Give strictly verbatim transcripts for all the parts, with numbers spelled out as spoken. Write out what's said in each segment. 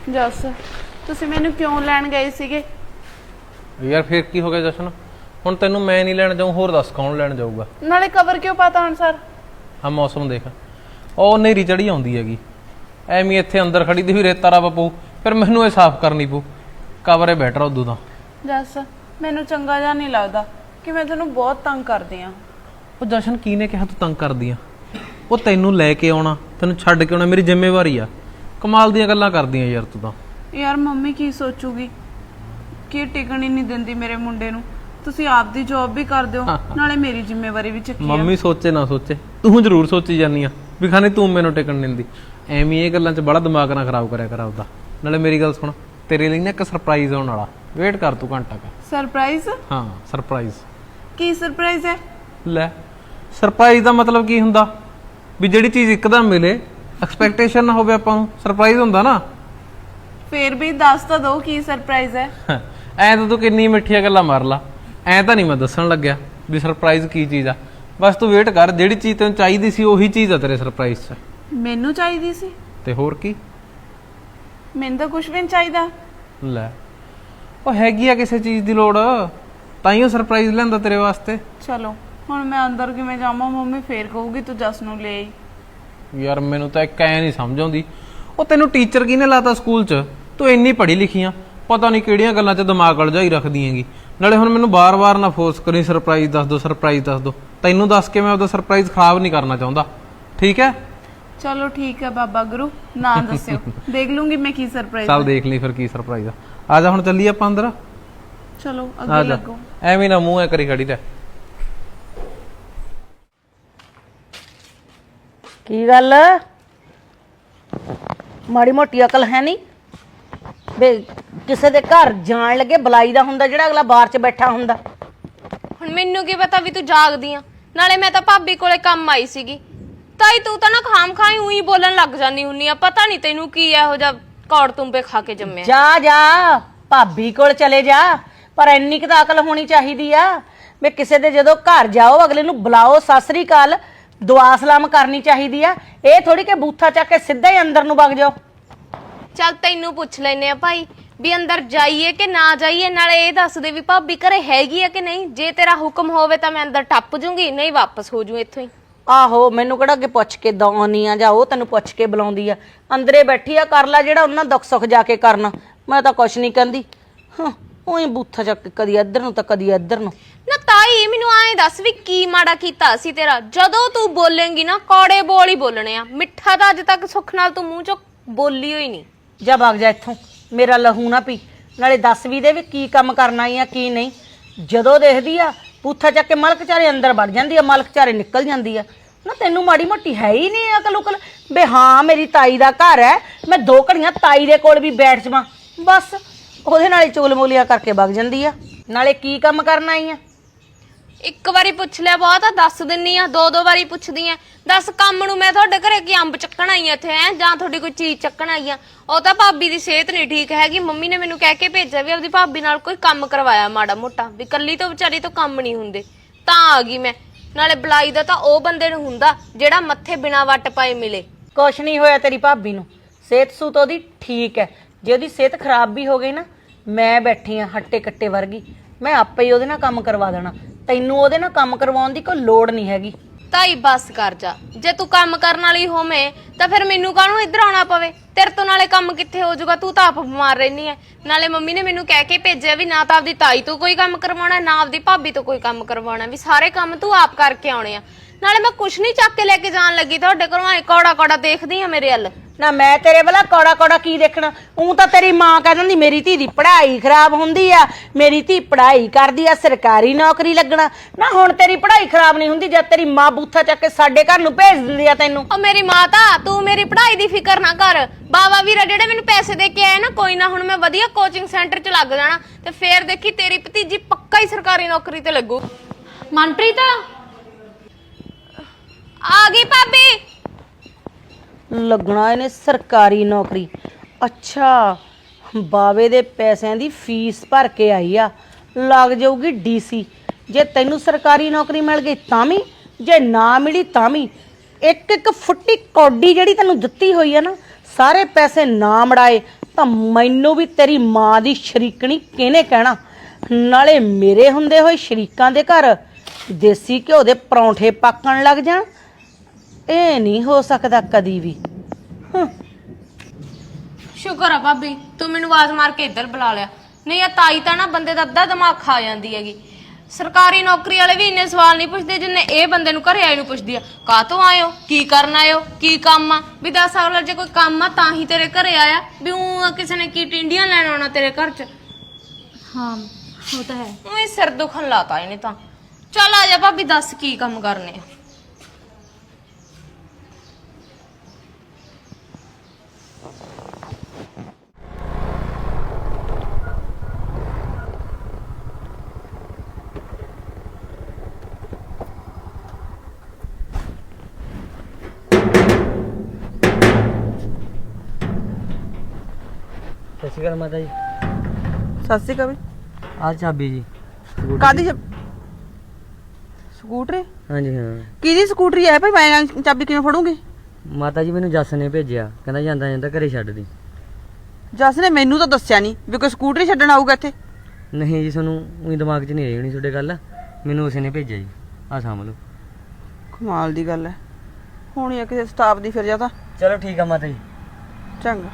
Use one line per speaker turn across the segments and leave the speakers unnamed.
ਜਸ ਤੁਸੀਂ ਮੈਨੂੰ ਕਿਉਂ ਲੈਣ ਗਏ ਸੀਗੇ?
ਯਾਰ ਫਿਰ ਕੀ ਹੋ ਗਿਆ ਜਸ਼ਨ? ਹੁਣ ਤੈਨੂੰ ਮੈਂ ਨਹੀਂ ਲੈਣ ਜਾਊਂ, ਹੋਰ ਦੱਸ ਕੌਣ ਲੈਣ ਜਾਊਗਾ?
ਨਾਲੇ ਕਵਰ ਕਿਉਂ ਪਾਤਾ ਹੁਣ ਸਰ?
ਆ ਮੌਸਮ ਦੇਖ, ਉਹ ਹਨੇਰੀ ਚੜੀ ਆਉਂਦੀ ਹੈਗੀ, ਐਵੇਂ ਇੱਥੇ ਅੰਦਰ ਖੜੀ ਦੀ ਵੀ ਰੇਤਾ ਰੱਬ ਪਊ, ਫਿਰ ਮੈਨੂੰ ਇਹ ਸਾਫ਼ ਕਰਨੀ ਪਊ। ਕਵਰੇ ਬੈਟਰ ਉਦੋਂ ਦਾ।
ਜਸ ਮੈਨੂੰ ਚੰਗਾ ਜਿਹਾ ਨਹੀਂ ਲੱਗਦਾ ਕਿ ਮੈਂ ਤੈਨੂੰ ਬਹੁਤ ਤੰਗ ਕਰਦੀ ਆ।
ਉਹ ਜਸ਼ਨ ਕੀ ਨੇ ਕਿਹਾ ਤੂੰ ਤੰਗ ਕਰਦੀ ਆ? ਉਹ ਤੈਨੂੰ ਲੈ ਕੇ ਆਉਣਾ, ਤੈਨੂੰ ਛੱਡ ਕੇ ਆਉਣਾ ਮੇਰੀ ਜ਼ਿੰਮੇਵਾਰੀ ਆ। ਕਮਾਲ ਦੀਆਂ ਗੱਲਾਂ ਕਰਦੀਆਂ ਯਾਰ ਤੂੰ ਤਾਂ।
ਯਾਰ ਮੰਮੀ ਕੀ ਸੋਚੂਗੀ ਕਿ ਟਿਕਣ ਹੀ ਨਹੀਂ ਦਿੰਦੀ ਮੇਰੇ ਮੁੰਡੇ ਨੂੰ। ਤੁਸੀਂ ਆਪ ਦੀ ਜੌਬ ਵੀ ਕਰਦੇ ਹੋ, ਨਾਲੇ ਮੇਰੀ ਜ਼ਿੰਮੇਵਾਰੀ ਵੀ ਚੱਕੀ ਆ।
ਮੰਮੀ ਸੋਚੇ ਨਾ ਸੋਚੇ, ਤੂੰ ਜ਼ਰੂਰ ਸੋਚੀ ਜਾਂਦੀ ਆ ਵੀ ਖਾਣੇ ਤੂੰ ਮੈਨੂੰ ਟਿਕਣ ਨਹੀਂ ਦਿੰਦੀ। ਐਵੇਂ ਇਹ ਗੱਲਾਂ 'ਚ ਬੜਾ ਦਿਮਾਗ ਨਾ ਖਰਾਬ ਕਰਿਆ ਕਰ ਆਪਦਾ। ਨਾਲੇ ਮੇਰੀ ਗੱਲ ਸੁਣ, ਤੇਰੇ ਲਈ ਨਾ ਇੱਕ ਸਰਪ੍ਰਾਈਜ਼ ਆਉਣ ਵਾਲਾ, ਵੇਟ ਕਰ ਤੂੰ ਘੰਟਾ ਕੁ।
ਸਰਪ੍ਰਾਈਜ਼?
ਹਾਂ ਸਰਪ੍ਰਾਈਜ਼।
ਕੀ ਸਰਪ੍ਰਾਈਜ਼ ਹੈ?
ਲੈ ਸਰਪ੍ਰਾਈਜ਼ ਦਾ ਮਤਲਬ ਕੀ ਹੁੰਦਾ? ਵੀ ਜਿਹੜੀ ਚੀਜ਼ ਇੱਕਦਮ ਮਿਲੇ, ਐਕਸਪੈਕਟੇਸ਼ਨ ਨਾ ਹੋਵੇ ਆਪਾਂ ਨੂੰ, ਸਰਪ੍ਰਾਈਜ਼ ਹੁੰਦਾ ਨਾ।
ਫੇਰ ਵੀ ਦੱਸ ਤਾਂ ਦੋ ਕੀ ਸਰਪ੍ਰਾਈਜ਼ ਹੈ।
ਐ ਤਾਂ ਤੂੰ ਕਿੰਨੀ ਮਿੱਠੀਆਂ ਗੱਲਾਂ ਮਾਰ ਲਾ, ਐ ਤਾਂ ਨਹੀਂ ਮੈਂ ਦੱਸਣ ਲੱਗਿਆ ਵੀ ਸਰਪ੍ਰਾਈਜ਼ ਕੀ ਚੀਜ਼ ਆ। ਬਸ ਤੂੰ ਵੇਟ ਕਰ, ਜਿਹੜੀ ਚੀਜ਼ ਤੈਨੂੰ ਚਾਹੀਦੀ ਸੀ ਉਹੀ ਚੀਜ਼ ਆ ਤੇਰੇ ਸਰਪ੍ਰਾਈਜ਼ 'ਚ।
ਮੈਨੂੰ ਚਾਹੀਦੀ ਸੀ?
ਤੇ ਹੋਰ ਕੀ,
ਮੈਨੂੰ ਤਾਂ ਕੁਝ ਵੀ ਨਹੀਂ ਚਾਹੀਦਾ।
ਲੈ ਉਹ ਹੈਗੀ ਆ ਕਿਸੇ ਚੀਜ਼ ਦੀ ਲੋੜ, ਤਾਂ ਹੀ ਉਹ ਸਰਪ੍ਰਾਈਜ਼ ਲੈਂਦਾ ਤੇਰੇ ਵਾਸਤੇ।
ਚਲੋ ਹੁਣ ਮੈਂ ਅੰਦਰ ਕਿਵੇਂ ਜਾਵਾਂ? ਮੰਮੀ ਫੇਰ ਕਹੂਗੀ ਤੂੰ ਜਸ ਨੂੰ ਲੈ ਆਈ।
ਯਾਰ ਮੈਨੂੰ ਤਾਂ ਇੱਕ ਐ ਨਹੀਂ ਸਮਝ ਆਉਂਦੀ, ਉਹ ਤੈਨੂੰ ਟੀਚਰ ਕਿਹਨੇ ਲਾਤਾ ਸਕੂਲ 'ਚ? ਤੂੰ ਇੰਨੀ ਪੜ੍ਹੀ ਲਿਖੀ ਆ, ਪਤਾ ਨਹੀਂ ਕਿਹੜੀਆਂ ਗੱਲਾਂ 'ਚ ਦਿਮਾਗ ਅਲਝਾਈ ਰੱਖਦੀ ਹੈਗੀ। ਨਾਲੇ ਹੁਣ ਮੈਨੂੰ ਬਾਰ-ਬਾਰ ਨਾ ਫੋਰਸ ਕਰੀ ਸਰਪ੍ਰਾਈਜ਼ ਦੱਸ ਦੋ, ਸਰਪ੍ਰਾਈਜ਼ ਦੱਸ ਦੋ। ਤੈਨੂੰ ਦੱਸ ਕੇ ਮੈਂ ਉਹਦਾ ਸਰਪ੍ਰਾਈਜ਼ ਖਰਾਬ ਨਹੀਂ ਕਰਨਾ ਚਾਹੁੰਦਾ, ਠੀਕ ਹੈ?
ਚਲੋ ਠੀਕ ਹੈ ਬਾਬਾ ਗੁਰੂ, ਨਾ ਦੱਸਿਓ, ਦੇਖ ਲੂੰਗੀ ਮੈਂ ਕੀ ਸਰਪ੍ਰਾਈਜ਼।
ਚੱਲ ਦੇਖ ਲਈ ਫਿਰ ਕੀ ਸਰਪ੍ਰਾਈਜ਼ ਆ। ਆ ਜਾ ਹੁਣ ਚੱਲੀਏ ਆਪਾਂ ਅੰਦਰ।
ਚਲੋ ਅੱਗੇ ਲੱਗੋ।
ਐਵੇਂ ਨਾ ਮੂੰਹ ਐ ਕਰੀ ਖੜੀ ਰਹਿ।
ਕੀ ਗੱਲ, ਮਾੜੀ ਮੋਟੀ ਅਕਲ ਹੈ ਨਹੀਂ ਵੇ? ਕਿਸੇ ਦੇ ਘਰ ਜਾਣ ਲੱਗੇ ਬੁਲਾਈ ਦਾ ਹੁੰਦਾ, ਜਿਹੜਾ ਅਗਲਾ ਬਾਹਰ 'ਚ ਬੈਠਾ ਹੁੰਦਾ।
ਹੁਣ ਮੈਨੂੰ ਕੀ ਪਤਾ ਵੀ ਤੂੰ ਜਾਗਦੀ ਆ? ਨਾਲੇ ਮੈਂ ਤਾਂ ਭਾਬੀ ਕੋਲੇ ਕੰਮ ਆਈ ਸੀਗੀ। ਤਾਈ ਤੂੰ ਤਾਂ ਨਾ ਖਾਮ ਖਾਈ ਉਹੀ ਬੋਲਣ ਲੱਗ ਜਾਂਦੀ ਹੁੰਨੀ ਆ। ਪਤਾ ਨਹੀਂ ਤੈਨੂੰ ਕੀ ਇਹੋ ਜਿਹਾ ਕੌੜ ਤੁੰਬੇ ਖਾ ਕੇ ਜੰਮਿਆ।
ਜਾ ਜਾ ਭਾਬੀ ਕੋਲ ਚਲੇ ਜਾ, ਪਰ ਇੰਨੀ ਕੁ ਤਾਂ ਅਕਲ ਹੋਣੀ ਚਾਹੀਦੀ ਆ ਵੀ ਕਿਸੇ ਦੇ ਜਦੋਂ ਘਰ ਜਾਓ ਅਗਲੇ ਨੂੰ ਬੁਲਾਓ, ਸਤਿ ਸ੍ਰੀ ਅਕਾਲ, ਦੁਆ ਸਲਾਮ ਕਰਨੀ ਚਾਹੀਦੀ ਆ। ਇਹ ਥੋੜੀ ਕਿ ਬੂਥਾ ਚੱਕ ਕੇ ਸਿੱਧਾ ਹੀ ਅੰਦਰ ਨੂੰ ਵਗ ਜਾਓ।
ਚੱਲ ਤੈਨੂੰ ਪੁੱਛ ਲੈਨੇ ਆ ਭਾਈ ਵੀ ਅੰਦਰ ਜਾਈਏ ਕਿ ਨਾ ਜਾਈਏ, ਨਾਲੇ ਇਹ ਦੱਸ ਦੇ ਵੀ ਭਾਬੀ ਘਰੇ ਹੈਗੀ ਆ ਕਿ ਨਹੀਂ। ਜੇ ਤੇਰਾ ਹੁਕਮ ਹੋਵੇ ਤਾਂ ਮੈਂ ਅੰਦਰ ਟੱਪ ਜੂੰਗੀ, ਨਹੀਂ ਵਾਪਸ ਹੋ ਜੂ ਇੱਥੋਂ ਹੀ।
ਆਹੋ ਮੈਨੂੰ ਕਿਹੜਾ ਅੱਗੇ ਪੁੱਛ ਕੇ ਦੌਣੀ ਆ, ਜਾਂ ਉਹ ਤੈਨੂੰ ਪੁੱਛ ਕੇ ਬੁਲਾਉਂਦੀ ਆ। ਅੰਦਰੇ ਬੈਠੀ ਆ, ਕਰ ਲੈ ਜਿਹੜਾ ਉਹਨਾਂ ਦੁੱਖ ਸੁੱਖ ਜਾ ਕੇ ਕਰਨਾ। ਮੈਂ ਤਾਂ ਕੁਛ ਨਹੀਂ ਕਹਿੰਦੀ। ਹਾਂ ਉਹੀ ਬੂਥਾ ਚੱਕ ਕਦੀ ਇੱਧਰ ਨੂੰ ਤਾਂ ਕਦੀ ਇੱਧਰ ਨੂੰ।
ਨਾ ਤਾਈ ਮੈਨੂੰ ਐਂ ਦੱਸ ਵੀ ਕੀ ਮਾੜਾ ਕੀਤਾ ਸੀ ਤੇਰਾ? ਜਦੋਂ ਤੂੰ ਬੋਲੇਂਗੀ ਨਾ ਕੌੜੇ ਬੋਲ ਹੀ ਬੋਲਣੇ ਆ, ਮਿੱਠਾ ਤਾਂ ਅੱਜ ਤੱਕ ਸੁੱਖ ਨਾਲ ਤੂੰ ਮੂੰਹ ਚੋਂ ਬੋਲੀ ਹੋਈ ਨਹੀਂ।
ਜਾ ਵਗ ਜਾ ਇੱਥੋਂ, ਮੇਰਾ ਲਹੂ ਨਾ ਪੀ। ਨਾਲੇ ਦੱਸ ਵੀ ਦੇ ਵੀ ਕੀ ਕੰਮ ਕਰਨਾ ਆ ਕੀ ਨਹੀਂ। ਜਦੋਂ ਦੇਖਦੀ ਆ ਬੂਥਾ ਚੱਕ ਕੇ ਮਲਕ ਚਾਰੇ ਅੰਦਰ ਵੜ ਜਾਂਦੀ ਆ, ਮਲਕ ਚਾਰੇ ਨਿਕਲ ਜਾਂਦੀ ਆ। ਨਾ ਤੈਨੂੰ ਮਾੜੀ ਮੋਟੀ ਹੈ ਹੀ ਨਹੀਂ ਅਕਲ ਉਕਲ ਬੇ? ਹਾਂ ਮੇਰੀ ਤਾਈ ਦਾ ਘਰ ਹੈ, ਮੈਂ ਦੋ ਘੜੀਆਂ ਤਾਈ ਦੇ ਕੋਲ ਵੀ ਬੈਠ ਜਾਵਾਂ, ਬਸ ਉਹਦੇ ਨਾਲ ਹੀ ਚੁਗਲਮੋਲੀਆਂ ਕਰਕੇ ਵਗ ਜਾਂਦੀ ਆ। ਨਾਲੇ ਕੀ ਕੰਮ ਕਰਨਾ ਆਈ ਆ?
ਇੱਕ ਵਾਰੀ ਪੁੱਛ ਲਿਆ ਬਹੁਤ ਆ, ਦੱਸ ਦਿੰਨੀ ਆ। ਦੋ ਦੋ ਵਾਰੀ ਪੁੱਛਦੀ ਆ, ਦੱਸ ਕੰਮ ਨੂੰ ਮੈਂ ਤੁਹਾਡੇ ਘਰੇ ਕੀ ਅੰਬ ਚੱਕਣ ਆਈ ਆ ਇੱਥੇ ਹੈ, ਜਾਂ ਤੁਹਾਡੀ ਕੋਈ ਚੀਜ਼ ਚੱਕਣ ਆਈ ਆ? ਉਹ ਤਾਂ ਭਾਬੀ ਦੀ ਸਿਹਤ ਨਹੀਂ ਠੀਕ ਹੈਗੀ, ਮੰਮੀ ਨੇ ਮੈਨੂੰ ਕਹਿ ਕੇ ਭੇਜਿਆ ਵੀ ਆਪਦੀ ਭਾਬੀ ਨਾਲ ਕੋਈ ਕੰਮ ਕਰਵਾਇਆ ਮਾੜਾ ਮੋਟਾ, ਵੀ ਕੱਲੀ ਤੋਂ ਵਿਚਾਰੀ ਤੋਂ ਕੰਮ ਨਹੀਂ ਹੁੰਦੇ, ਤਾਂ ਆ ਗਈ ਮੈਂ। ਨਾਲੇ ਬੁਲਾਈ ਦਾ ਤਾਂ ਉਹ ਬੰਦੇ ਨੂੰ ਹੁੰਦਾ ਜਿਹੜਾ ਮੱਥੇ ਬਿਨਾ ਵੱਟ ਪਾਏ ਮਿਲੇ।
ਕੁਛ ਨਹੀਂ ਹੋਇਆ ਤੇਰੀ ਭਾਬੀ ਨੂੰ, ਸਿਹਤ ਸੂਤ ਉਹਦੀ ਠੀਕ ਹੈ। ਜੇ ਉਹਦੀ ਸਿਹਤ ਖਰਾਬ ਵੀ ਹੋ ਗਈ ਨਾ, ਮੈਂ ਬੈਠੀ ਆ ਹੱਟੇ ਕੱਟੇ ਵਰਗੀ, ਮੈਂ ਆਪੇ ਹੀ ਉਹਦੇ ਨਾਲ ਕੰਮ ਕਰਵਾ ਦੇਣਾ। ਤੈਨੂੰ ਉਹਦੇ ਨਾਲ ਕੰਮ ਕਰਵਾਉਣ ਦੀ ਕੋਈ ਲੋੜ ਨਹੀਂ ਹੈਗੀ।
ਤਾਈ ਬਸ ਕਰ ਜਾ, ਜੇ ਤੂੰ ਕੰਮ ਕਰਨ ਵਾਲੀ ਹੋਵੇਂ ਤਾਂ ਫਿਰ ਮੈਨੂੰ ਕਾਹਨੂੰ ਇੱਧਰ ਆਉਣਾ ਪਵੇ? ਤੇਰੇ ਤੋਂ ਨਾਲੇ ਕੰਮ ਕਿੱਥੇ ਹੋ ਜਾਊਗਾ, ਤੂੰ ਤਾਂ ਆਪ ਬਿਮਾਰ ਰਹਿਨੀ ਐ। ਨਾਲੇ ਮੰਮੀ ਨੇ ਮੈਨੂੰ ਕਹਿ ਕੇ ਭੇਜਿਆ ਵੀ ਨਾ ਤਾਂ ਆਪਦੀ ਤਾਈ ਤੋਂ ਕੋਈ ਕੰਮ ਕਰਵਾਉਣਾ, ਨਾ ਆਪਦੀ ਭਾਬੀ ਤੋਂ ਕੋਈ ਕੰਮ ਕਰਵਾਉਣਾ, ਵੀ ਸਾਰੇ ਕੰਮ ਤੂੰ ਆਪ ਕਰਕੇ ਆਉਣੇ ਆ। ਨਾਲੇ ਮੈਂ ਕੁਛ ਨਹੀਂ ਚੱਕ ਕੇ ਲੈ ਕੇ ਜਾਣ ਲੱਗੀ ਤੁਹਾਡੇ ਘਰੋਂ, ਐ ਕੌੜਾ ਕੌੜਾ ਦੇਖਦੀ ਆ ਮੇਰੇ ਵੱਲ।
ਨਾ ਮੈਂ ਤੇਰੇ ਵਾਲਾ ਕੌੜਾ ਕੌੜਾ ਕੀ ਦੇਖਣਾ? ਉਹ ਤਾਂ ਤੇਰੀ ਮਾਂ ਕਹਿ ਦਿੰਦੀ ਮੇਰੀ ਧੀ ਦੀ ਪੜ੍ਹਾਈ ਖਰਾਬ ਹੁੰਦੀ ਆ, ਮੇਰੀ ਧੀ ਪੜ੍ਹਾਈ ਕਰਦੀ ਆ ਸਰਕਾਰੀ ਨੌਕਰੀ ਲੱਗਣਾ। ਨਾ ਹੁਣ ਤੇਰੀ ਪੜ੍ਹਾਈ ਖਰਾਬ ਨਹੀਂ ਹੁੰਦੀ ਜਦ ਤੇਰੀ ਮਾਂ ਬੂਥਾ ਚੱਕ ਕੇ ਸਾਡੇ ਘਰ ਨੂੰ ਭੇਜ ਦਿੰਦੀ ਆ ਤੈਨੂੰ।
ਉਹ ਮੇਰੀ ਮਾਤਾ, ਤੂੰ ਮੇਰੀ ਪੜ੍ਹਾਈ ਦੀ ਫਿਕਰ ਨਾ ਕਰ। ਬਾਵਾ ਵੀਰਾ ਜਿਹੜੇ ਮੈਨੂੰ ਪੈਸੇ ਦੇ ਕੇ ਆਏ ਨਾ, ਕੋਈ ਨਾ ਹੁਣ ਮੈਂ ਵਧੀਆ ਕੋਚਿੰਗ ਸੈਂਟਰ 'ਚ ਲੱਗ ਜਾਣਾ, ਤੇ ਫੇਰ ਦੇਖੀ ਤੇਰੀ ਭਤੀਜੀ ਪੱਕਾ ਹੀ ਸਰਕਾਰੀ ਨੌਕਰੀ ਤੇ ਲੱਗੂ। ਮਨਪ੍ਰੀਤ ਆ ਗਈ ਭਾਬੀ।
ਲੱਗਣਾ ਇਹਨੇ ਸਰਕਾਰੀ ਨੌਕਰੀ। ਅੱਛਾ ਬਾਵੇ ਦੇ ਪੈਸਿਆਂ ਦੀ ਫੀਸ ਭਰ ਕੇ ਆਈ ਆ, ਲੱਗ ਜਾਊਗੀ ਡੀਸੀ। ਜੇ ਤੈਨੂੰ ਸਰਕਾਰੀ ਨੌਕਰੀ ਮਿਲ ਗਈ ਤਾਂ ਵੀ, ਜੇ ਨਾ ਮਿਲੀ ਤਾਂ ਵੀ। ਇੱਕ ਇੱਕ ਫੁੱਟੀ ਕੌਡੀ ਜਿਹੜੀ ਤੈਨੂੰ ਦਿੱਤੀ ਹੋਈ ਆ ਨਾ, ਸਾਰੇ ਪੈਸੇ ਨਾ ਮੜਾਏ ਤਾਂ ਮੈਨੂੰ ਵੀ ਤੇਰੀ ਮਾਂ ਦੀ ਸ਼ਰੀਕਣੀ ਕਿਹਨੇ ਕਹਿਣਾ। ਨਾਲੇ ਮੇਰੇ ਹੁੰਦੇ ਹੋਏ ਸ਼ਰੀਕਾਂ ਦੇ ਘਰ ਦੇਸੀ ਘਿਓ ਦੇ ਪਰੌਂਠੇ ਪੱਕਣ ਲੱਗ ਜਾਣ, ਇਹ ਨਹੀਂ ਹੋ ਸਕਦਾ ਕਦੀ ਵੀ। ਹੂੰ।
ਸ਼ੁਕਰ ਆ ਭਾਬੀ ਤੂੰ ਮੈਨੂੰ ਆਵਾਜ਼ ਮਾਰ ਕੇ ਇੱਧਰ ਬੁਲਾ ਲਿਆ, ਨਹੀਂ ਆ ਤਾਈ ਤਾਂ ਨਾ ਬੰਦੇ ਦਾ ਅੱਧਾ ਦਿਮਾਗ ਖਾ ਜਾਂਦੀ ਹੈਗੀ। ਸਰਕਾਰੀ ਨੌਕਰੀ ਵਾਲੇ ਵੀ ਇੰਨੇ ਸਵਾਲ ਨਹੀਂ ਪੁੱਛਦੇ ਜਿੰਨੇ ਇਹ ਬੰਦੇ ਨੂੰ ਘਰੇ ਆਏ ਨੂੰ ਪੁੱਛਦੀ ਆ। ਕਾਹਤੋਂ ਆਇਓ, ਕੀ ਕਰਨ ਆਇਓ, ਕੀ ਕੰਮ ਆ? ਵੀ ਦੱਸ ਅਗਲਾ ਜੇ ਕੋਈ ਕੰਮ ਆ ਤਾਂ ਹੀ ਤੇਰੇ ਘਰੇ ਆਇਆ, ਵੀ ਉਹ ਕਿਸੇ ਨੇ ਕੀ ਟਿੰਡੀਆਂ ਲੈਣ ਆਉਣਾ ਤੇਰੇ ਘਰ 'ਚ।
ਹਾਂ ਉਹ ਤਾਂ ਹੈ।
ਉਹ ਸਿਰ ਦੁਖਣ ਲਾਤਾ ਇਹਨੇ ਤਾਂ। ਚੱਲ ਆ ਜਾ ਭਾਬੀ ਦੱਸ ਕੀ ਕੰਮ ਕਰਨੇ ਆ।
ਸਤਿ ਸ਼੍ਰੀ ਅਕਾਲ ਮਾਤਾ ਜੀ।
ਸਤਿ ਸ਼੍ਰੀ ਅਕਾਲ।
ਆਹ ਚਾਬੀ ਜੀ ਸਕੂਟਰ
ਕਾਦੀ
ਦੀ।
ਸਕੂਟਰੀ?
ਹਾਂਜੀ ਹਾਂ
ਕਿਹਦੀ ਸਕੂਟਰੀ ਹੈ ਭਾਈ? ਮੈਂ ਚਾਬੀ ਕਿਵੇਂ ਫੜੂੰਗੀ?
ਮਾਤਾ ਜੀ ਮੈਨੂੰ ਜੱਸ ਨੇ ਭੇਜਿਆ, ਕਹਿੰਦਾ ਜਾਂਦਾ ਜਾਂਦਾ ਘਰੇ ਛੱਡ ਦੀ।
ਜੱਸ ਨੇ ਮੈਨੂੰ ਤਾਂ ਦੱਸਿਆ ਨਹੀਂ ਵੀ ਕੋਈ ਸਕੂਟਰੀ ਛੱਡਣ ਆਊਗਾ ਇੱਥੇ।
ਨਹੀਂ ਜੀ ਤੁਹਾਨੂੰ ਉਹੀ ਦਿਮਾਗ 'ਚ ਨਹੀਂ ਆਈ ਹੋਣੀ ਤੁਹਾਡੇ ਗੱਲ, ਮੈਨੂੰ ਉਸੇ ਨੇ ਭੇਜਿਆ ਜੀ। ਆਹ ਸਾਂਭ ਲਓ।
ਕਮਾਲ ਦੀ ਗੱਲ ਹੈ, ਹੋਣੀ ਆ ਕਿਸੇ ਸਟਾਫ ਦੀ ਫਿਰ ਜਾਂ ਤਾਂ।
ਚਲੋ ਠੀਕ ਆ ਮਾਤਾ ਜੀ।
ਚੰਗਾ।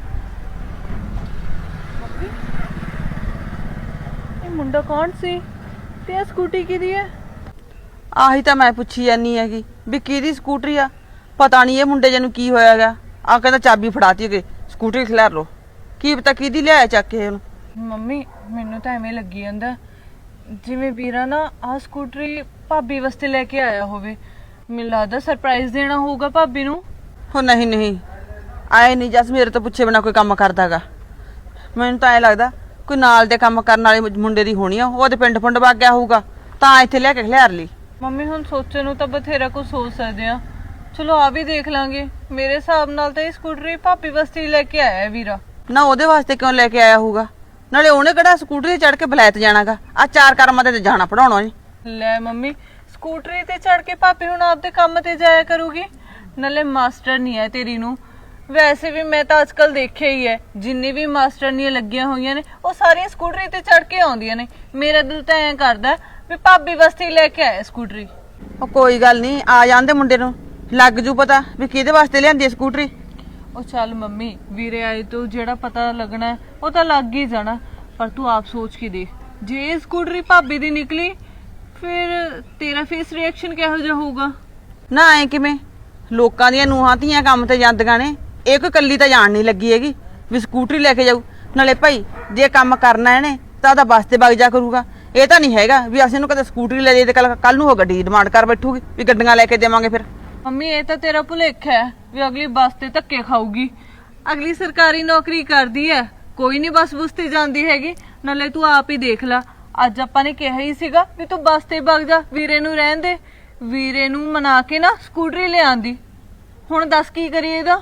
ਇਹ ਮੁੰਡਾ ਕੌਣ ਸੀ ਤੇ ਇਹ ਸਕੂਟੀ ਕਿਹਦੀ ਹੈ?
ਆਹੀ ਤਾਂ ਮੈਂ ਪੁੱਛੀ ਜਾਨੀ ਹੈਗੀ ਵੀ ਕਿਹਦੀ ਸਕੂਟਰੀ ਆ। ਪਤਾ ਨਹੀਂ ਇਹ ਮੁੰਡੇ ਜਿਹਨੂੰ ਕੀ ਹੋਇਆਗਾ। ਆ ਕਹਿੰਦਾ ਚਾਬੀ ਫੜਾਤੀ ਕਿ ਸਕੂਟਰੀ ਖਿਲਾਰ ਲੋ, ਕੀ ਪਤਾ ਕਿਹਦੀ ਲਿਆਇਆ ਚੱਕ ਕੇ ਉਹਨੂੰ।
ਮੰਮੀ ਮੈਨੂੰ ਤਾਂ ਐਵੇਂ ਲੱਗੀ ਜਾਂਦਾ ਜਿਵੇਂ ਵੀਰਾ ਨਾ ਆਹ ਸਕੂਟਰੀ ਭਾਬੀ ਵਾਸਤੇ ਲੈ ਕੇ ਆਇਆ ਹੋਵੇ। ਮੈਨੂੰ ਲੱਗਦਾ ਸਰਪ੍ਰਾਈਜ਼ ਦੇਣਾ ਹੋਊਗਾ ਭਾਬੀ ਨੂੰ।
ਹੋ ਨਹੀਂ ਨਹੀਂ, ਆਏ ਨਹੀਂ ਜਸ ਮੇਰੇ ਤੋਂ ਪੁੱਛੇ ਬਿਨਾ ਕੋਈ ਕੰਮ ਕਰਦਾਗਾ। ਮੈਨੂੰ ਤਾਂ ਐ ਲੱਗਦਾ ਕੋਈ ਨਾਲ ਦੇ ਕੰਮ ਕਰਨ ਵਾਲੇ ਮੁੰਡੇ ਦੀ ਹੋਣੀ ਆ, ਉਹਦੇ ਪਿੰਡ ਪੁੰਡ ਵਗ ਗਿਆ ਹੋਊਗਾ ਤਾਂ ਇੱਥੇ ਲੈ ਕੇ ਖਿਲਾਰ ਲਈ।
ਮੰਮੀ ਹੁਣ ਸੋਚਣ ਨੂੰ ਤਾਂ ਬਥੇਰਾ ਕੁਝ ਸੋਚ ਸਕਦੇ ਆ, ਚਲੋ ਆ ਵੀ ਦੇਖ ਲਾਂਗੇ। ਮੇਰੇ ਹਿਸਾਬ ਨਾਲ ਤਾਂ ਇਹ ਸਕੂਟਰੀ ਭਾਬੀ ਵਾਸਤੇ ਹੀ ਲੈ ਕੇ ਆਇਆ ਹੈ ਵੀਰਾ।
ਨਾ ਉਹਦੇ ਵਾਸਤੇ ਕਿਉਂ ਲੈ ਕੇ ਆਇਆ ਹੋਊਗਾ? ਨਾਲੇ ਉਹਨੇ ਕਿਹੜਾ ਸਕੂਟਰੀ ਤੇ ਚੜ ਕੇ ਬਲੈਤ ਜਾਣਾਗਾ। ਆ ਚਾਰ ਕਰਮਾਂ ਤੇ ਜਾਣਾ ਪੜਾਉਣਾ ਨਹੀਂ।
ਲੈ ਮੰਮੀ ਸਕੂਟਰੀ ਤੇ ਚੜ ਕੇ ਭਾਬੀ ਹੁਣ ਆਪਦੇ ਕੰਮ ਤੇ ਜਾਇਆ ਕਰੂਗੀ। ਨਾਲੇ ਮਾਸਟਰ ਨਹੀਂ ਹੈ ਤੇਰੀ ਨੂੰ। ਵੈਸੇ ਵੀ ਮੈਂ ਤਾਂ ਅੱਜਕੱਲ ਦੇਖਿਆ ਹੀ ਹੈ ਜਿੰਨੀ ਵੀ ਮਾਸਟਰਨੀਆਂ ਲੱਗੀਆਂ ਹੋਈਆਂ ਨੇ ਉਹ ਸਾਰੀਆਂ ਸਕੂਟਰੀ ਤੇ ਚੜ ਕੇ ਆਉਂਦੀਆਂ ਨੇ। ਮੇਰਾ ਦਿਲ ਤਾਂ ਐਂ ਕਰਦਾ ਵੀ ਭਾਬੀ ਵਾਸਤੇ ਹੀ ਲੈ ਕੇ ਆਇਆ ਸਕੂਟਰੀ।
ਉਹ ਕੋਈ ਗੱਲ ਨਹੀਂ, ਆ ਜਾਂਦੇ ਮੁੰਡੇ ਨੂੰ ਲੱਗ ਜੂ ਪਤਾ ਵੀ ਕਿਹਦੇ ਵਾਸਤੇ ਲਿਆਂਦੀ ਸਕੂਟਰੀ।
ਉਹ ਚੱਲ ਮੰਮੀ ਵੀਰੇ ਆਏ ਤੋਂ ਜਿਹੜਾ ਪਤਾ ਲੱਗਣਾ ਉਹ ਤਾਂ ਲੱਗ ਹੀ ਜਾਣਾ, ਪਰ ਤੂੰ ਆਪ ਸੋਚ ਕੇ ਦੇਖ ਜੇ ਇਹ ਸਕੂਟਰੀ ਭਾਬੀ ਦੀ ਨਿਕਲੀ ਫਿਰ ਤੇਰਾ ਫੇਸ ਰਿਐਕਸ਼ਨ ਕਿਹੋ ਜਿਹਾ ਹੋਊਗਾ?
ਨਾ ਐ ਕਿਵੇਂ? ਲੋਕਾਂ ਦੀਆਂ ਨੂੰਹਾਂ ਧੀਆਂ ਕੰਮ ਤੇ ਜਾਂਦੀਆਂ ਨੇ, ਇਹ ਕੋਈ ਕੱਲੀ ਤਾਂ ਜਾਣ ਨਹੀਂ ਲੱਗੀ ਹੈਗੀ ਵੀ ਸਕੂਟਰੀ ਲੈ ਕੇ ਜਾਊ। ਨਾਲੇ ਭਾਈ ਜੇ ਕੰਮ ਕਰਨਾ ਇਹਨੇ ਤਾਂ ਉਹਦਾ ਬੱਸ ਤੇ ਵਗ ਜਾ ਕਰੂਗਾ। ਇਹ ਤਾਂ ਨਹੀਂ ਹੈਗਾ ਵੀ ਅਸੀਂ ਇਹਨੂੰ ਕਦੇ ਸਕੂਟਰੀ ਲੈ ਦੇ ਤੇ ਕੱਲ ਨੂੰ ਉਹ ਗੱਡੀ ਦੀ ਡਿਮਾਂਡ ਕਰ ਬੈਠੂਗੀ ਵੀ ਗੱਡੀਆਂ ਲੈ ਕੇ ਦੇਵਾਂਗੇ। ਫਿਰ
ਮੰਮੀ ਇਹ ਤਾਂ ਤੇਰਾ ਭੁਲੇਖਾ ਹੈ ਵੀ ਅਗਲੀ ਬੱਸ ਤੇ ਧੱਕੇ ਖਾਊਗੀ। ਅਗਲੀ ਸਰਕਾਰੀ ਨੌਕਰੀ ਕਰਦੀ ਹੈ, ਕੋਈ ਨਹੀਂ ਬੱਸ ਬੁਸ ਤੇ ਜਾਂਦੀ ਹੈਗੀ। ਨਾਲੇ ਤੂੰ ਆਪ ਹੀ ਦੇਖ ਲੈ, ਅੱਜ ਆਪਾਂ ਨੇ ਕਿਹਾ ਹੀ ਸੀਗਾ ਵੀ ਤੂੰ ਬੱਸ ਤੇ ਵਗ ਜਾ, ਵੀਰੇ ਨੂੰ ਰਹਿਣ ਦੇ। ਵੀਰੇ ਨੂੰ ਮਨਾ ਕੇ ਨਾ ਸਕੂਟਰੀ ਲਿਆਂਦੀ। ਹੁਣ ਦੱਸ ਕੀ ਕਰੀਏ ਇਹਦਾ?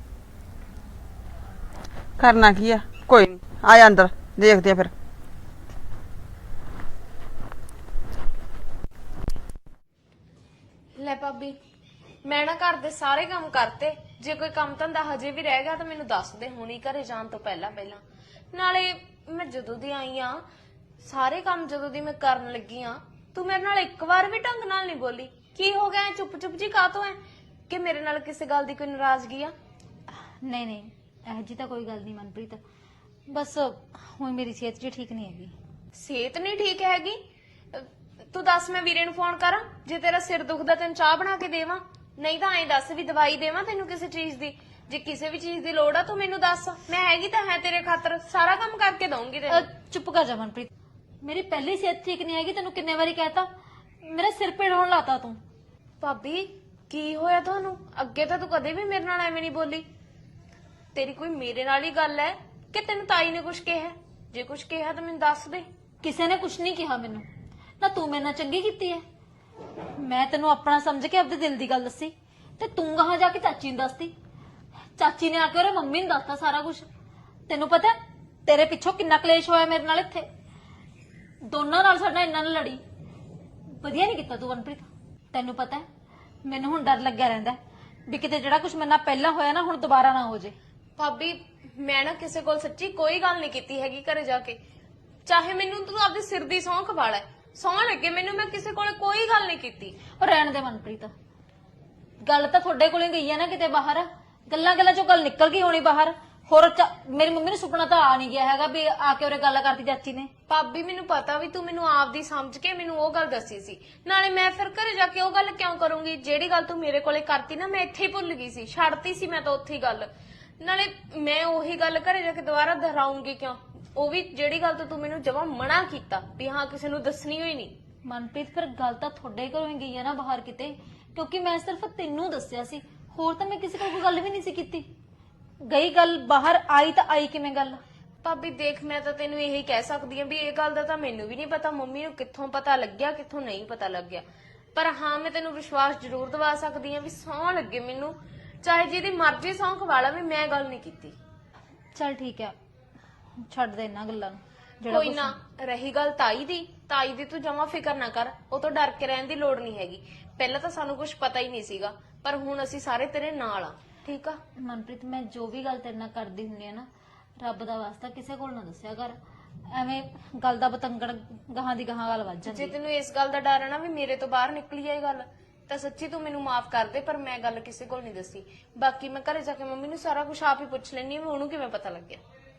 ਕਰਨਾ ਕੀ ਆ? ਕੋਈ ਨਹੀਂ, ਆ ਜਾ ਅੰਦਰ ਦੇਖਦੇ ਆ ਫਿਰ।
ਲੈ ਭਾਬੀ ਮੈਂ ਨਾ ਘਰ ਦੇ ਸਾਰੇ ਕੰਮ ਕਰਤੇ, ਜੇ ਕੋਈ ਕੰਮ ਧੰਦਾ ਹਜੇ ਵੀ ਰਹਿ ਗਿਆ ਤਾਂ ਮੈਨੂੰ ਦੱਸ ਦੇ ਹੁਣੀ ਘਰੇ ਜਾਣ ਤੋਂ ਪਹਿਲਾਂ ਪਹਿਲਾਂ। ਨਾਲੇ ਮੈਂ ਜਦੋਂ ਦੀ ਆਈ ਆ ਸਾਰੇ ਕੰਮ ਜਦੋਂ ਦੀ ਮੈਂ ਕਰਨ ਲੱਗੀ ਆ ਤੂੰ ਮੇਰੇ ਨਾਲ ਇੱਕ ਵਾਰ ਵੀ ਢੰਗ ਨਾਲ ਨਹੀਂ ਬੋਲੀ। ਕੀ ਹੋ ਗਿਆ ਚੁੱਪ ਚੁੱਪ ਜੀ ਕਾਹਤੋਂ ਐ? ਕਿ ਮੇਰੇ ਨਾਲ ਕਿਸੇ ਗੱਲ ਦੀ ਕੋਈ ਨਾਰਾਜ਼ਗੀ ਆ?
ਨਹੀਂ ਨਹੀਂ ਇਹ ਜੀ ਤਾਂ ਕੋਈ ਗੱਲ ਨਹੀਂ ਮਨਪ੍ਰੀਤ, ਬਸ ਹੁਣ ਮੇਰੀ ਸਿਹਤ ਜੀ ਠੀਕ ਨਹੀਂ ਹੈਗੀ।
ਸਿਹਤ ਨਹੀਂ ਠੀਕ ਹੈਗੀ? ਅਹ ਤੂੰ ਦੱਸ ਮੈਂ ਵੀਰੇ ਨੂੰ ਫੋਨ ਕਰਾਂ? ਜੇ ਤੇਰਾ ਸਿਰ ਦੁਖਦਾ ਤੈਨੂੰ ਚਾਹ ਬਣਾ ਕੇ ਦੇਵਾਂ, ਨਹੀਂ ਤਾਂ ਐਂ ਦੱਸ ਵੀ ਦਵਾਈ ਦੇਵਾਂ ਤੈਨੂੰ ਕਿਸੇ ਚੀਜ਼ ਦੀ। ਜੇ ਕਿਸੇ ਵੀ ਚੀਜ਼ ਦੀ ਲੋੜ ਆ ਤੂੰ ਮੈਨੂੰ ਦੱਸ, ਮੈਂ ਹੈਗੀ ਤਾਂ ਹੈ ਤੇਰੇ ਖਾਤਰ, ਸਾਰਾ ਕੰਮ ਕਰਕੇ ਦਊਂਗੀ
ਅਹ,
ਤੈਨੂੰ।
ਚੁੱਪ ਕਰ ਜਾ ਮਨਪ੍ਰੀਤ, ਮੇਰੀ ਪਹਿਲੀ ਸਿਹਤ ਠੀਕ ਨਹੀਂ ਹੈਗੀ। ਤੈਨੂੰ ਕਿੰਨੇ ਵਾਰੀ ਕਹਿਤਾ, ਮੇਰਾ ਸਿਰ ਪੀੜ ਹੋਣ ਲਾਤਾ ਤੂੰ।
ਭਾਬੀ ਕੀ ਹੋਇਆ ਤੁਹਾਨੂੰ? ਅੱਗੇ ਤਾਂ ਤੂੰ ਕਦੇ ਵੀ ਮੇਰੇ ਨਾਲ ਐਵੇਂ ਨਹੀਂ ਬੋਲੀ। ਤੇਰੀ ਕੋਈ ਮੇਰੇ ਨਾਲ ਹੀ ਗੱਲ ਹੈ ਕਿ ਤੈਨੂੰ ਤਾਈ ਨੇ ਕੁਝ ਕਿਹਾ? ਜੇ ਕੁਝ ਕਿਹਾ ਤਾਂ ਮੈਨੂੰ ਦੱਸ ਦੇ।
ਕਿਸੇ ਨੇ ਕੁਝ ਨਹੀਂ ਕਿਹਾ ਮੈਨੂੰ ਨਾ। ਤੂੰ ਮੇਰੇ ਨਾਲ ਚੰਗੀ ਕੀਤੀ ਹੈ, ਮੈਂ ਤੈਨੂੰ ਆਪਣਾ ਸਮਝ ਕੇ ਆਪਣੇ ਦਿਲ ਦੀ ਗੱਲ ਦੱਸੀ ਤੇ ਤੂੰ ਕਹਾਂ ਜਾ ਕੇ ਚਾਚੀ ਨੂੰ ਦੱਸਦੀ। ਚਾਚੀ ਨੇ ਆ ਕੇ ਉਹਰੇ ਮੰਮੀ ਨੂੰ ਦੱਸਤਾ ਸਾਰਾ ਕੁਝ। ਤੈਨੂੰ ਪਤਾ ਤੇਰੇ ਪਿੱਛੋਂ ਕਿੰਨਾ ਕਲੇਸ਼ ਹੋਇਆ ਮੇਰੇ ਨਾਲ ਇੱਥੇ, ਦੋਨਾਂ ਨਾਲ ਸਾਡਾ ਇੰਨਾ ਨਾ ਲੜੀ। ਵਧੀਆ ਨਹੀਂ ਕੀਤਾ ਤੂੰ ਮਨਪ੍ਰੀਤ। ਤੈਨੂੰ ਪਤਾ ਮੈਨੂੰ ਹੁਣ ਡਰ ਲੱਗਿਆ ਰਹਿੰਦਾ ਵੀ ਕਿਤੇ ਜਿਹੜਾ ਕੁਝ ਮੇਰੇ ਨਾਲ ਪਹਿਲਾਂ ਹੋਇਆ ਨਾ ਹੁਣ ਦੁਬਾਰਾ ਨਾ ਹੋ ਜੇ।
ਭਾਬੀ ਮੈਂ ਨਾ ਕਿਸੇ ਕੋਲ ਸੱਚੀ ਕੋਈ ਗੱਲ ਨਹੀਂ ਕੀਤੀ ਹੈਗੀ ਘਰੇ ਜਾ ਕੇ। ਚਾਹੇ ਮੈਨੂੰ ਤੂੰ ਆਪਦੇ ਸਿਰ ਦੀ ਸਹੁੰ ਖਵਾ ਲੈ, ਸਹੁੰ ਲੱਗੇ ਮੈਨੂੰ, ਮੈਂ ਕਿਸੇ ਕੋਲ ਕੋਈ ਗੱਲ ਨਹੀਂ ਕੀਤੀ।
ਉਹ ਰਹਿਣ ਦੇ ਮਨਪ੍ਰੀਤ, ਗੱਲ ਤਾਂ ਤੁਹਾਡੇ ਕੋਲੇ ਗਈ ਆ ਨਾ ਕਿਤੇ ਬਾਹਰ, ਗੱਲਾਂ ਗੱਲਾਂ ਚੋਂ ਗੱਲ ਨਿਕਲ ਗਈ ਹੋਣੀ ਬਾਹਰ। ਹੋਰ ਚ- ਮੇਰੀ ਮੰਮੀ ਨੂੰ ਸੁਪਨਾ ਤਾਂ ਆ ਨਹੀਂ ਗਿਆ ਹੈਗਾ ਵੀ ਆ ਕੇ ਉਹਰੇ ਗੱਲ ਕਰਤੀ ਚਾਚੀ ਨੇ।
ਭਾਬੀ ਮੈਨੂੰ ਪਤਾ ਵੀ ਤੂੰ ਮੈਨੂੰ ਆਪਦੀ ਸਮਝ ਕੇ ਮੈਨੂੰ ਉਹ ਗੱਲ ਦੱਸੀ ਸੀ, ਨਾਲੇ ਮੈਂ ਫਿਰ ਘਰੇ ਜਾ ਕੇ ਉਹ ਗੱਲ ਕਿਉਂ ਕਰੂੰਗੀ? ਜਿਹੜੀ ਗੱਲ ਤੂੰ ਮੇਰੇ ਕੋਲੇ ਕਰਤੀ ਨਾ, ਮੈਂ ਇੱਥੇ ਹੀ ਭੁੱਲ ਗਈ ਸੀ, ਛੱਡਤੀ ਸੀ ਮੈਂ ਤਾਂ ਉੱਥੇ ਹੀ ਗੱਲ। ਨਾਲੇ ਮੈਂ ਉਹੀ ਗੱਲ ਘਰੇ ਜਾ ਕੇ ਦੁਬਾਰਾ ਦੁਹਰਾਉਂਗੀ ਕਿਉਂ? ਉਹ ਵੀ ਜਿਹੜੀ ਗੱਲ ਤੋਂ ਤੂੰ ਮੈਨੂੰ ਜਮਾਂ ਮਨਾ ਕੀਤਾ ਵੀ ਹਾਂ ਕਿਸੇ ਨੂੰ ਦੱਸਣੀ ਹੋਈ ਨਹੀਂ।
ਮਨਪ੍ਰੀਤ ਫਿਰ ਗੱਲ ਤਾਂ ਤੁਹਾਡੇ ਘਰੋਂ ਹੀ ਗਈ ਆ ਨਾ ਬਾਹਰ ਕਿਤੇ, ਕਿਉਂਕਿ ਮੈਂ ਸਿਰਫ ਤੈਨੂੰ ਦੱਸਿਆ ਸੀ, ਹੋਰ ਤਾਂ ਮੈਂ ਕਿਸੇ ਕੋਲ ਕੋਈ ਗੱਲ ਵੀ ਨਹੀਂ ਸੀ ਕੀਤੀ। ਗਈ ਗੱਲ ਬਾਹਰ, ਆਈ ਤਾਂ ਆਈ ਕਿਵੇਂ ਗੱਲ?
ਭਾਬੀ ਦੇਖ, ਮੈਂ ਤਾਂ ਤੈਨੂੰ ਇਹੀ ਕਹਿ ਸਕਦੀ ਹਾਂ ਵੀ ਇਹ ਗੱਲ ਦਾ ਤਾਂ ਮੈਨੂੰ ਵੀ ਨਹੀਂ ਪਤਾ ਮੰਮੀ ਨੂੰ ਕਿੱਥੋਂ ਪਤਾ ਲੱਗਿਆ ਕਿੱਥੋਂ ਨਹੀਂ ਪਤਾ ਲੱਗਿਆ, ਪਰ ਹਾਂ ਮੈਂ ਤੈਨੂੰ ਵਿਸ਼ਵਾਸ ਜ਼ਰੂਰ ਦਿਵਾ ਸਕਦੀ ਹਾਂ ਵੀ ਸਹੁੰ ਲੱਗੇ ਮੈਨੂੰ, ਚਾਹੇ ਜਿਹਦੀ ਮਰਜ਼ੀ ਸਹੁੰ ਖਵਾ ਲਾ, ਵੀ ਮੈਂ ਗੱਲ ਨਹੀਂ ਕੀਤੀ।
ਚਲ ਠੀਕ ਹੈ, ਛੱਡ ਦੇ ਇਹਨਾਂ ਗੱਲਾਂ ਨੂੰ। ਜਿਹੜਾ
ਕੋਈ
ਕੁਛ-
ਨਾ, ਰਹੀ ਗੱਲ ਤਾਈ ਦੀ, ਤਾਈ ਦੀ ਤੂੰ ਜਮਾ ਫਿਕਰ ਨਾ ਕਰ, ਉਹ ਤੋਂ ਡਰ ਕੇ ਰਹਿਣ ਦੀ ਲੋੜ ਨਹੀਂ ਹੈਗੀ। ਪਹਿਲਾਂ ਤਾਂ ਸਾਨੂੰ ਕੁਝ ਪਤਾ ਹੀ ਨਹੀਂ ਸੀਗਾ, ਪਰ ਹੁਣ ਅਸੀਂ ਸਾਰੇ ਤੇਰੇ ਨਾਲ ਆ, ਠੀਕ ਆ?
ਮਨਪ੍ਰੀਤ ਮੈਂ ਜੋ ਵੀ ਗੱਲ ਤੇਰੇ ਨਾਲ ਕਰਦੀ ਹੁੰਦੀ ਆ ਨਾ, ਰੱਬ ਦਾ ਵਾਸਤਾ ਕਿਸੇ ਕੋਲ ਨਾ ਦੱਸਿਆ ਕਰ, ਐਵੇਂ ਗੱਲ ਦਾ ਬਤੰਗੜ ਗਾਹਾਂ ਦੀ ਗਾਹਾਂ ਗੱਲ ਵੱਜ
ਜੇ
ਜਾਂਦੀ।
ਤੈਨੂੰ ਇਸ ਗੱਲ ਦਾ ਡਰ ਹੈ ਨਾ ਵੀ ਮੇਰੇ ਤੋਂ ਬਾਹਰ ਨਿਕਲੀ ਹੈ ਇਹ ਗੱਲ, ਤਾਂ ਸੱਚੀ ਤੂੰ ਮੈਨੂੰ ਮਾਫ ਕਰ ਦੇ, ਪਰ ਮੈਂ ਗੱਲ ਕਿਸੇ ਕੋਲ ਨਹੀਂ ਦੱਸੀ। ਬਾਕੀ ਮੈਂ ਘਰੇ ਜਾ ਕੇ ਮੰਮੀ ਨੂੰ ਸਾਰਾ ਕੁਝ ਆਪ ਹੀ ਪੁੱਛ ਲੈਣੀ, ਵੀ ਉਹਨੂੰ ਕਿਵੇਂ ਪਤਾ ਲੱਗਿਆ।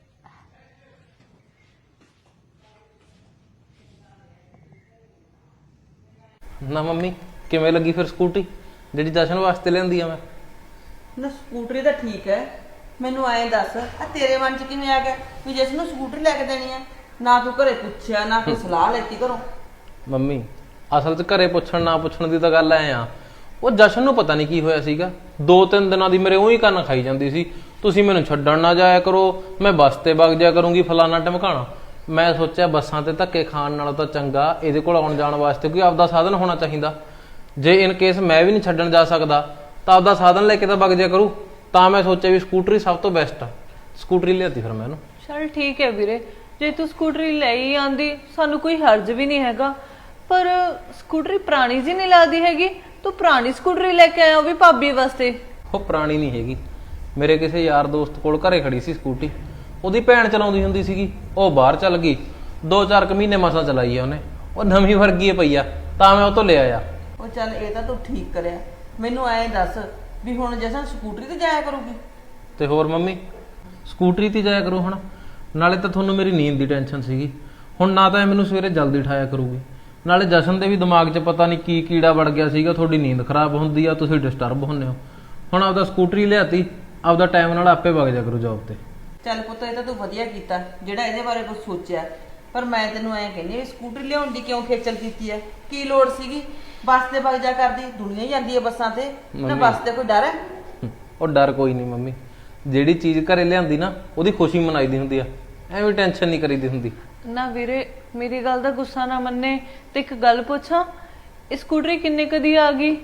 ਨਾ ਮੰਮੀ, ਕਿਵੇਂ ਲੱਗੀ ਫਿਰ ਸਕੂਟੀ ਜਿਹੜੀ ਜਸ਼ਨ ਵਾਸਤੇ ਲਿਆਂਦੀ ਆ ਮੈਂ?
ਨਾ ਸਕੂਟਰੀ ਤਾਂ ਠੀਕ ਹੈ, ਮੈਨੂੰ ਐਂ ਦੱਸ ਆ ਤੇਰੇ ਮਨ 'ਚ ਕਿਵੇਂ ਆ ਗਿਆ ਵੀ ਜਿਸ ਨੂੰ ਸਕੂਟਰੀ ਲੈ ਕੇ ਦੇਣੀ ਆ? ਨਾ ਤੂੰ ਘਰੇ ਪੁੱਛਿਆ, ਨਾ ਕੋਈ ਸਲਾਹ ਲੈਤੀ ਘਰੋਂ।
ਮੰਮੀ ਅਸਲ 'ਚ ਘਰੇ ਪੁੱਛਣ ਨਾ ਪੁੱਛਣ ਦੀ ਤਾਂ ਗੱਲ ਐ ਆ, ਉਹ ਜਸ਼ਨ ਨੂੰ ਪਤਾ ਨਹੀਂ ਕੀ ਹੋਇਆ ਸੀਗਾ, ਦੋ ਤਿੰਨ ਦਿਨਾਂ ਦੀ ਮੇਰੇ ਉਹੀ ਕੰਨ ਖਾਈ ਜਾਂਦੀ ਸੀ, ਤੁਸੀਂ ਮੈਨੂੰ ਛੱਡਣ ਨਾ ਜਾਇਆ ਕਰੋ, ਮੈਂ ਬੱਸ ਤੇ ਵਗ ਜਾਇਆ ਕਰੂੰਗੀ, ਫਲਾਣਾ ਟਮਕਾਣਾ। ਮੈਂ ਸੋਚਿਆ ਬੱਸਾਂ ਤੇ ਧੱਕੇ ਖਾਣ ਨਾਲੋਂ ਤਾਂ ਚੰਗਾ ਇਹਦੇ ਕੋਲ ਆਉਣ ਜਾਣ ਵਾਸਤੇ ਕੋਈ ਆਪਦਾ ਸਾਧਨ ਹੋਣਾ ਚਾਹੀਦਾ। ਜੇ ਇਨ ਕੇਸ ਮੈਂ ਵੀ ਨਹੀਂ ਛੱਡਣ ਜਾ ਸਕਦਾ ਤਾਂ ਆਪਦਾ ਸਾਧਨ ਲੈ ਕੇ ਤਾਂ ਵਗ ਜਾਇਆ ਕਰੂ। ਤਾਂ ਮੈਂ ਸੋਚਿਆ ਵੀ ਸਕੂਟਰੀ ਸਭ ਤੋਂ ਬੈਸਟ ਆ, ਸਕੂਟਰੀ ਲਿਆਤੀ ਫਿਰ ਮੈਂ ਇਹਨੂੰ।
ਚਲ ਠੀਕ ਹੈ ਵੀਰੇ, ਜੇ ਤੂੰ ਸਕੂਟਰੀ ਲੈ ਹੀ ਆਂਦੀ ਸਾਨੂੰ ਕੋਈ ਹਰਜ ਵੀ ਨਹੀਂ ਹੈਗਾ, ਪਰ ਸਕੂਟਰੀ ਪੁਰਾਣੀ ਜੀ ਨਹੀਂ ਲੱਗਦੀ ਹੈਗੀ, ਤੂੰ ਪੁਰਾਣੀ ਸਕੂਟਰੀ ਲੈ ਕੇ ਆਇਆ ਉਹ ਵੀ ਭਾਬੀ ਵਾਸਤੇ।
ਉਹ ਪੁਰਾਣੀ ਨਹੀਂ ਹੈਗੀ, ਮੇਰੇ ਕਿਸੇ ਯਾਰ ਦੋਸਤ ਕੋਲ ਘਰੇ ਖੜੀ ਸੀ ਸਕੂਟੀ, ਉਹਦੀ ਭੈਣ ਚਲਾਉਂਦੀ ਹੁੰਦੀ ਸੀਗੀ, ਉਹ ਬਾਹਰ ਚੱਲ ਗਈ, ਦੋ ਚਾਰ ਕੁ ਮਹੀਨੇ ਮਸਾਂ ਚਲਾਈ ਆ ਉਹਨੇ, ਉਹ ਨਵੀਂ ਵਰਗੀ ਪਈ ਆ, ਤਾਂ ਮੈਂ ਉਹ ਤੋਂ ਲੈ ਆਇਆ।
ਉਹ ਚੱਲ ਇਹ ਤਾਂ ਤੂੰ ਠੀਕ ਕਰਿਆ। ਮੈਨੂੰ ਐਂ ਦੱਸ ਵੀ ਹੁਣ ਜਸਨ ਸਕੂਟਰੀ ਤੇ ਜਾਇਆ ਕਰੂਗੀ?
ਤੇ ਹੋਰ ਮੰਮੀ, ਸਕੂਟਰੀ ਤੇ ਜਾਇਆ ਕਰੂ ਹੁਣ, ਨਾਲੇ ਤਾਂ ਤੁਹਾਨੂੰ ਮੇਰੀ ਨੀਂਦ ਦੀ ਟੈਨਸ਼ਨ ਸੀਗੀ, ਹੁਣ ਨਾ ਤਾਂ ਇਹ ਮੈਨੂੰ ਸਵੇਰੇ ਜਲਦੀ ਉਠਾਇਆ ਕਰੂਗੀ, ਨਾਲੇ ਜਸ਼ਨ ਦੇ ਵੀ ਦਿਮਾਗ 'ਚ ਪਤਾ ਨਹੀਂ ਕੀ ਕੀੜਾ ਵੜ ਗਿਆ ਸੀਗਾ, ਤੁਹਾਡੀ ਨੀਂਦ ਖਰਾਬ ਹੁੰਦੀ ਆ, ਤੁਸੀਂ ਡਿਸਟਰਬ ਹੁੰਦੇ ਹੋ। ਹੁਣ ਆਪਦਾ ਸਕੂਟਰੀ ਲਿਆਤੀ, ਆਪਦਾ ਟਾਈਮ ਨਾਲ ਆਪੇ ਵਗ ਜਾ ਕਰੂ ਜੌਬ ਤੇ।
ਚੱਲ ਪੁੱਤ ਇਹ ਤਾਂ ਤੂੰ ਵਧੀਆ ਕੀਤਾ ਜਿਹੜਾ ਇਹਦੇ ਬਾਰੇ ਕੁਝ ਸੋਚਿਆ, ਪਰ ਮੈਂ ਤੈਨੂੰ ਐਂ ਕਹਿੰਦੀ ਵੀ ਸਕੂਟਰੀ ਲਿਆਉਣ ਦੀ ਕਿਉਂ ਖੇਚਲ ਕੀਤੀ ਹੈ? ਕੀ ਲੋੜ ਸੀਗੀ? ਬੱਸ ਤੇ ਵਗ ਜਾ ਕਰਦੀ, ਦੁਨੀਆ ਹੀ ਜਾਂਦੀ ਹੈ ਬੱਸਾਂ ਤੇ, ਨਾ
ਮੰਮੀ।
ਬੱਸ ਤੇ ਕੋਈ ਡਰ ਹੈ?
ਉਹ ਡਰ ਕੋਈ ਨਹੀਂ ਮੰਮੀ, ਜਿਹੜੀ ਚੀਜ਼ ਘਰੇ ਲਿਆਂਦੀ ਨਾ ਉਹਦੀ ਖੁਸ਼ੀ ਮਨਾਈਦੀ ਹੁੰਦੀ ਆ, ਐਵੇਂ ਟੈਨਸ਼ਨ ਨਹੀਂ ਕਰੀਦੀ ਹੁੰਦੀ।
ਨਾ ਵੀਰੇ ਮੇਰੀ ਗੱਲ ਦਾ ਗੁੱਸਾ ਨਾ ਮੰਨੇ, ਤੇ ਇੱਕ ਗੱਲ ਪੁੱਛਾਂ, ਇਹ ਸਕੂਟਰੀ ਕਿੰਨੇ ਕਦੀ ਆ ਗਈ?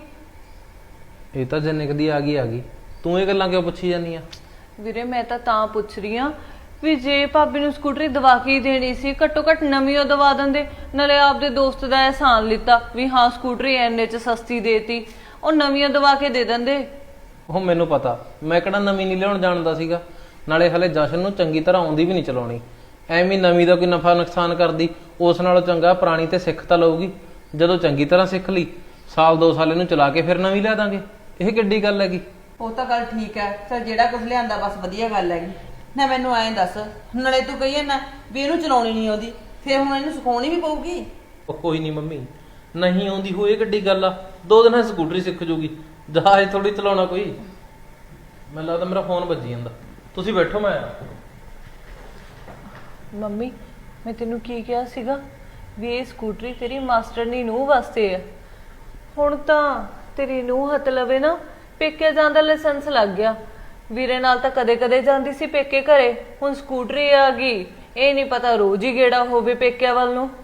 ਇਹ ਤਾਂ ਜਿੰਨੇ ਕਦੀ ਆ ਗਈ ਆ ਗਈ, ਤੂੰ ਇਹ ਗੱਲਾਂ ਕਿਉਂ ਪੁੱਛੀ ਜਾਂਦੀ ਆ?
ਵੀਰੇ ਮੈਂ ਤਾਂ ਤਾਂ ਪੁੱਛ ਰਹੀ ਆ ਵੀ ਜੇ ਭਾਬੀ ਨੂੰ ਸਕੂਟਰੀ ਦਵਾ ਕੇ ਹੀ ਦੇਣੀ ਸੀ, ਘੱਟੋ ਘੱਟ ਨਵੀਂ ਉਹ ਦਵਾ ਦਿੰਦੇ, ਨਾਲੇ ਆਪਦੇ ਦੋਸਤ ਦਾ ਅਹਿਸਾਨ ਲਿੱਤਾ ਵੀ ਹਾਂ ਸਕੂਟਰੀ ਐਨੇ ਚ ਸਸਤੀ ਦੇਤੀ, ਉਹ ਨਵੀਂ ਦਵਾ ਕੇ ਦੇ ਦਿੰਦੇ।
ਉਹ ਮੈਨੂੰ ਪਤਾ, ਮੈਂ ਕਿਹੜਾ ਨਵੀਂ ਨਹੀਂ ਲਿਆਉਣ ਜਾਣਦਾ ਸੀਗਾ, ਨਾਲੇ ਹਲੇ ਜਸ਼ਨ ਨੂੰ ਚੰਗੀ ਤਰ੍ਹਾਂ ਆਉਂਦੀ ਵੀ ਨਹੀਂ ਚਲਾਉਣੀ, ਐਵੇਂ ਨਵੀਂ ਦਾ ਕੋਈ ਨਫਾ ਨੁਕਸਾਨ ਕਰਦੀ, ਉਸ ਨਾਲੋਂ ਚੰਗਾ ਪੁਰਾਣੀ ਤੇ ਸਿੱਖ ਤਾਂ ਲਊਗੀ, ਜਦੋਂ ਚੰਗੀ ਤਰ੍ਹਾਂ ਸਿੱਖ ਲਈ ਸਾਲ ਦੋ ਸਾਲ ਇਹਨੂੰ ਚਲਾ ਕੇ ਫਿਰ ਨਵੀਂ ਲਿਆ ਦਾਂਗੇ, ਇਹ ਕਿੱਡੀ ਗੱਲ ਹੈਗੀ।
ਉਹ ਤਾਂ ਗੱਲ ਠੀਕ ਹੈ, ਚੱਲ ਜਿਹੜਾ ਕੁਝ ਲਿਆਂਦਾ ਬਸ ਵਧੀਆ ਗੱਲ ਹੈਗੀ। ਨਾ ਮੈਨੂੰ ਐਂ ਦੱਸ, ਨਾਲੇ ਤੂੰ ਕਹੀਏ ਨਾ ਵੀ ਇਹਨੂੰ ਚਲਾਉਣੀ ਨਹੀਂ ਆਉਂਦੀ, ਫਿਰ ਹੁਣ ਇਹਨੂੰ ਸਿਖਾਉਣੀ ਵੀ ਪਊਗੀ।
ਉਹ ਕੋਈ ਨਹੀਂ ਮੰਮੀ, ਨਹੀਂ ਆਉਂਦੀ ਹੋਏ ਕਿੱਡੀ ਗੱਲ ਆ, ਦੋ ਦਿਨਾਂ 'ਚ ਸਕੂਟਰੀ ਸਿੱਖ ਜੂਗੀ, ਜਹਾਜ਼ ਥੋੜੀ ਚਲਾਉਣਾ ਕੋਈ। ਮੈਨੂੰ ਲੱਗਦਾ ਮੇਰਾ ਫੋਨ ਵੱਜੀ ਜਾਂਦਾ, ਤੁਸੀਂ ਬੈਠੋ ਮੈਂ ਆਇਆ।
ਮੰਮੀ ਮੈਂ ਤੈਨੂੰ ਕੀ ਕਿਹਾ ਸੀਗਾ ਵੀ ਇਹ ਸਕੂਟਰੀ ਤੇਰੀ ਮਾਸਟਰਨੀ ਨੂੰਹ ਵਾਸਤੇ ਹੈ, ਹੁਣ ਤਾਂ ਤੇਰੀ ਨੂੰਹ ਹੱਥ ਲਵੇ ਨਾ ਪੇਕੇ ਜਾਣ ਦਾ ਲਾਇਸੈਂਸ ਲੱਗ ਗਿਆ। ਵੀਰੇ ਨਾਲ ਤਾਂ ਕਦੇ ਕਦੇ ਜਾਂਦੀ ਸੀ ਪੇਕੇ ਘਰੇ, ਹੁਣ ਸਕੂਟਰੀ ਆ ਗਈ, ਇਹ ਨਹੀਂ ਪਤਾ ਰੋਜ਼ ਹੀ ਗੇੜਾ ਹੋਵੇ ਪੇਕਿਆਂ ਵੱਲ ਨੂੰ।